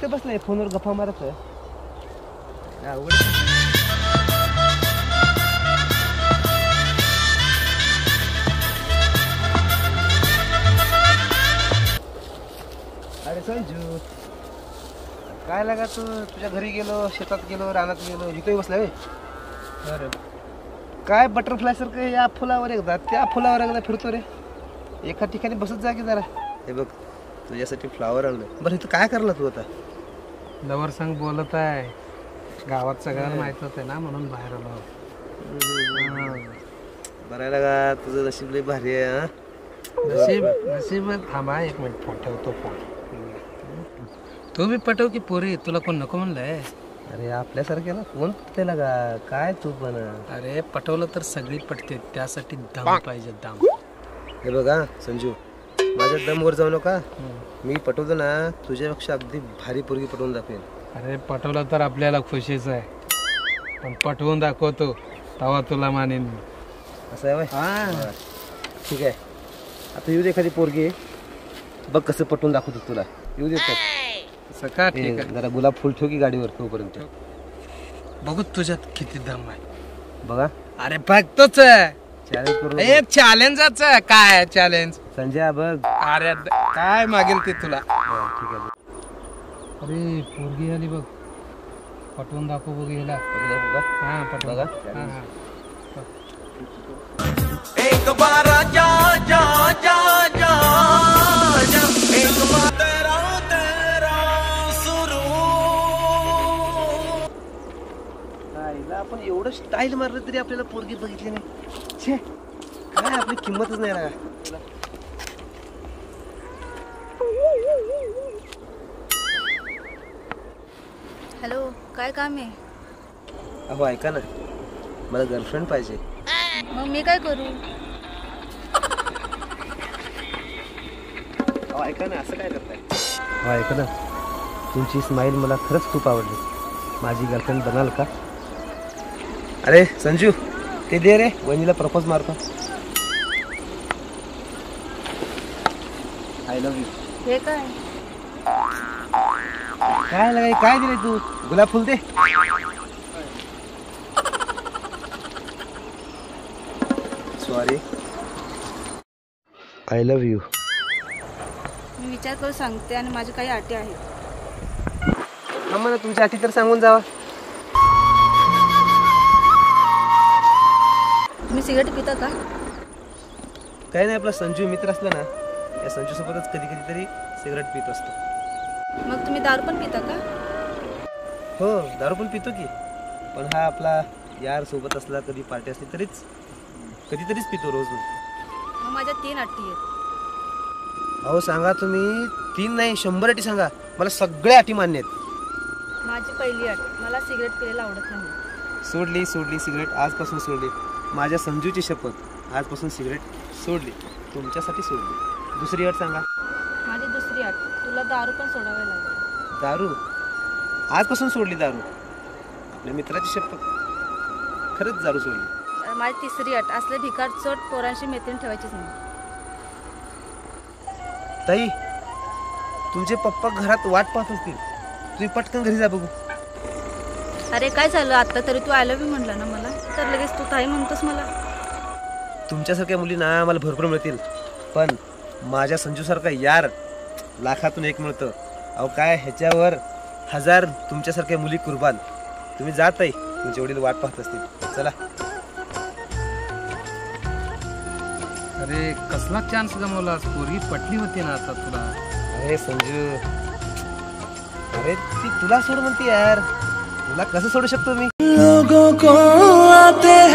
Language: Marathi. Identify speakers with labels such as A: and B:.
A: इथं बसलाय फोनवर गप्पा मारत अरे संजू काय लागा तू तुझ्या घरी गेलो शेतात गेलो रानात गेलो इथे बसलाय अरे काय बटरफ्लाय सारखं या फुलावर एकदा त्या फुलावर एकदा फिरतो रे एका ठिकाणी बसत जा की जरा हे बघ तुझ्यासाठी फ्लावर आणलं बरं इथं काय करला तू आता
B: लवर संग बोलत आहे गावात सगळ्यांना माहित होते ना म्हणून बाहेर आलो
A: बरं लागा तुझं नशीब लय भारी आहे
B: नशीब नशीब थांबा एक मिनिट फोन ठेवतो फोन तू बी पटव की पोरी तुला कोण नको म्हणलंय
A: अरे आपल्यासारख्याला कोण पटते लागा काय तू पण
B: अरे पटवलं तर सगळी पटते त्यासाठी दम पाहिजे दम
A: हे बघा संजू माझ्या दमवर जाऊ नका मी पटवतो ना तुझ्यापेक्षा अगदी भारी पोरगी पटवून दाखवेन
B: अरे पटवलं तर आपल्याला खुशीच आहे पण पटवून दाखवतो तेव्हा तुला मानेन
A: असं आहे हा ठीक आहे आता येऊ दे एखादी पोरगी बघ कसं पटवून दाखवतो तुला येऊ दे
B: सका ठीक आहे
A: जरा गुलाब फुल ठेव की गाडीवर तोपर्यंत
B: बघू तुझ्यात किती दम आहे
A: बघा
B: अरे बघतोच आहे
A: चॅलेंज करू
B: हे चॅलेंजच काय चॅलेंज
A: संजय बघ
B: अरे काय मागेल ते तुला
A: ठीक आहे
B: अरे पोरगी आली बघ पटवून दाखव बघ ह्याला हा पटवून
A: बघा
C: एक बार जा जा जा जा एक बार तेरा तेरा सुरू
A: आपण एवढं स्टाईल मारलं तरी आपल्याला पोरगी बघितली नाही छे काय आपली किंमतच नाही ना
D: हॅलो काय काम आहे
A: अहो ऐका ना मला गर्लफ्रेंड पाहिजे
D: मग मी काय करू
A: अहो ऐका ना असं काय करताय हो ऐका ना तुमची स्माईल मला खरंच खूप आवडली माझी गर्लफ्रेंड बनाल का अरे संजू ते दे रे वहिनीला प्रपोज मारतो आय लव्ह यू
D: हे काय
A: काय लगाय काय दिले तू गुलाब फुल दे सॉरी आय लव्ह यू
D: मी विचार करून सांगते आणि माझ्या काही अटी आहेत
A: हा मला तुमच्या अटी तर सांगून जावा
D: तुम्ही सिगरेट पिता का
A: काही नाही आपला संजू मित्र असला ना या संजू सोबतच कधी कधी तरी सिगरेट पित असतो
D: मग तुम्ही दारू पण पिता का
A: हो दारू पण पितो की पण हा आपला यार सोबत असला कधी पार्टी असली तरीच कधीतरीच पितो रोज
D: मग माझ्या 3 अटी आहेत
A: अहो सांगा तुम्ही 3 नाही 100 अटी सांगा मला सगळ्या अटी मान्य आहेत
D: माझी पहिली अट मला सिगरेट पियायला आवडत नाही
A: सोडली सिगरेट आजपासून सोडली माझ्या संजूची शपथ आजपासून सिगरेट सोडली तुमच्यासाठी सोडली दुसरी अट सांगा
D: माझी दुसरी अट तुला दारू पण सोडावी लागेल
A: दारू आजपासून सोडली दारू आपल्या मित्राची शपथ खरंच दारू सोडली
D: माझी तिसरी अट असले भिकार चोट पोरांशी मैत्रीण ठेवायचीच नाही
A: ताई तुमचे पप्पा घरात वाट पाहत असतील तुम्ही पटकन घरी जा बघू
D: अरे काय झालं आता तरी तू आय लव्ह यू म्हणला ना मला तर लगेच तू ताई म्हणतोस मला
A: तुमच्यासारख्या मुलींना आम्हाला भरपूर मिळतील पण माझ्या संजूसारखा यार लाखातून एक मिळतं अहो काय ह्याच्यावर 1000 तुमच्यासारख्या मुली कुर्बान तुम्ही जात आहे तुमचे वडील वाट पाहत असतील चला
B: अरे कसला चान्स गमावलास पोरगी पटली होती ना आता तुला
A: अरे संजू अरे ती तुला सोड म्हणते यार तुला कसं सोडू शकतो मी
C: लोगों को आते